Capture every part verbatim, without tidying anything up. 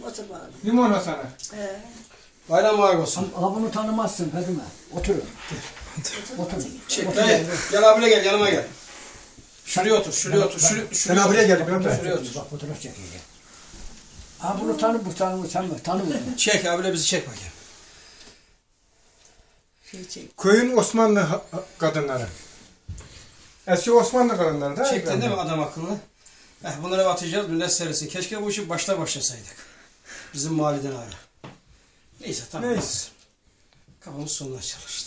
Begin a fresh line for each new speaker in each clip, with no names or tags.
Otur bakalım.
Limon sana.
He.
Bayram var olsun.
Ha bunu tanımazsın Fadime. Oturun. Oturun.
Çek dayı. Gel abile gel yanıma gel. Şuraya otur, şuraya otur, şuraya,
Ben
şuraya
abiye
otur.
geldim. Ben de.
Şuraya otur.
Bak fotoğraf çekeceğim. Ha bunu tanı, bu tanı, bu tanı, tanı bunu.
Çek abile bizi çek bakayım.
Şey çek.
Köyün Osmanlı ha- ha- kadınları. Eski Osmanlı kadınları da.
Çektin değil mi adam akıllı? Eh, bunları atacağız, millet serisi. Keşke bu işi başta başlasaydık. Bizim mahalleden ara. Neyse tamam.
Neyse.
Kafamız sonuna çalıştı.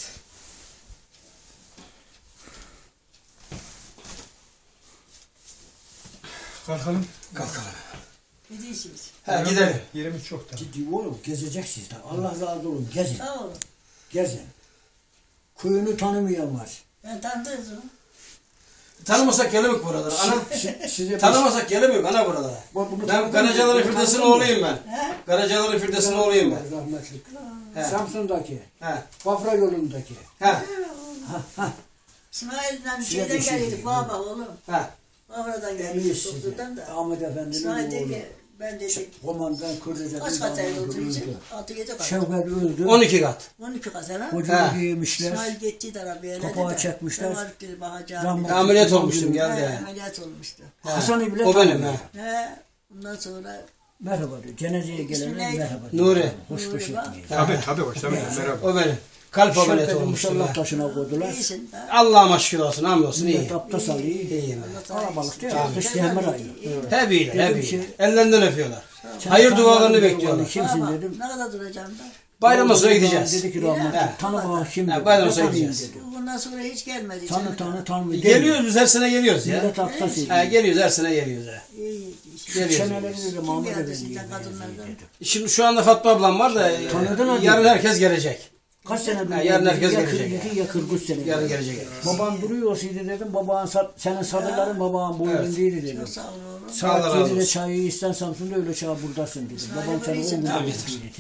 Kalkalım.
Kalkalım.
Ne diyorsunuz?
He gidelim.
Yerimiz çok da.
Ciddi oğlum gezeceksiniz de. Allah razı olsun gezin.
Sağ olun.
Gezin. Köyünü tanımayan var.
Ben tanıdınız mı?
Tanımasak gelemik buralara. Ana.
Si- Size
Tanımasak gelemik ana buralara.
Bu- bunu
Ben
tanıdın
Karacaların
mı?
Firdevs'in
Tanıdın mı?
oğluyum ben.
He?
Karacaların Firdevs'in oğluyum ben.
Rahmetli.
He.
Samsun'daki.
He.
Bafra yolundaki.
He.
İsmail'den
Size
şeyden
bir şey
geliyorduk.
diyeyim.
Baba oğlum.
He.
Oradan
Emniyet
geliyorduk.
sizi.
Doktordan da.
Ahmet Efendi'nin
İsmail dedi
oğlu.
ki ben dedik.
Komandan Kırlıca'dan
Kaç kat evde
öldü.
oturacak? Altı yedi kat.
Şevket öldü.
on iki kat.
On iki kat ha?
Kocağı
He.
giymişler.
İsmail gitti de arabaya.
Kapağı çekmişler.
Ben varıp dedi bakacağım.
Rahmetli.
Ameliyat olmuştum
He,
geldi.
ameliyat olmuştu.
He.
Hasan İbni
O benim
tanıyor.
he.
He. Ondan sonra
Merhaba diyor. Cenazeye gelene
İsmi neydi?
merhaba diyor.
Nuri.
Hoş beş
Nuri bak.
etmeyin.
Tabii tabii. Hoş tabii. Merhaba.
O benim. Kalp ameliyatı
Şevket'i
olmuştu.
musallat
ben.
taşına koydular.
iyisin. ha?
Allah'ıma şükür olsun, hamdolsun iyi.
Millet abdest alıyor.
İyiyim.
Kalabalık değil mi?
Tamam.
Kış Temel ayı.
Hep iyiler, hep
Dedim
iyiler.
ki-
Ellerinden öpüyorlar.
Sen
Hayır
tanımadın
dualarını
diyor,
bekliyorlar.
vallahi Kimsin
Baba,
dedim.
ne kadar duracağım da?
Bayramdan sonra
Vallahi
gideceğiz.
Dedi ki rahmetli.
He.
Tanı bana kim
He,
dedi.
bayramdan
Ne
sonra
tanıyayım
gideceğiz.
dedi.
Bundan sonra hiç gelmedi.
Tanı
içeri.
tanı tanımıyor.
Geliyoruz, her sene geliyoruz ya.
Millet hafta
He,
seviyor.
geliyoruz, her sene geliyoruz. He.
İyi, iyi. iyi.
Geliyoruz.
Çeneleri dedi Mahmut
geldi
Efendi'ye
sizden
benziyor
kadınlardan?
dedi.
Şimdi şu anda Fatma ablam var da e,
Tanıdın mı?
yarın herkes gelecek.
Kaç senedir?
Ha, yarın herkes
ya
gelecek.
kırk iki ya kırk üç sene.
Yarın gelecek herkes.
Baban duruyor olsaydı dedim. Baban sa- senin sadıların baban bu
Evet.
üründeydi dedim.
Çok sağ olun oğlum.
Allah
Saat
razı
yedide
olsun.
çayı isten Samsun'da öyle çay buradasın dedim.
İsmail
Babam seni
Bey'sin,
on gün
tabii.
bekledi.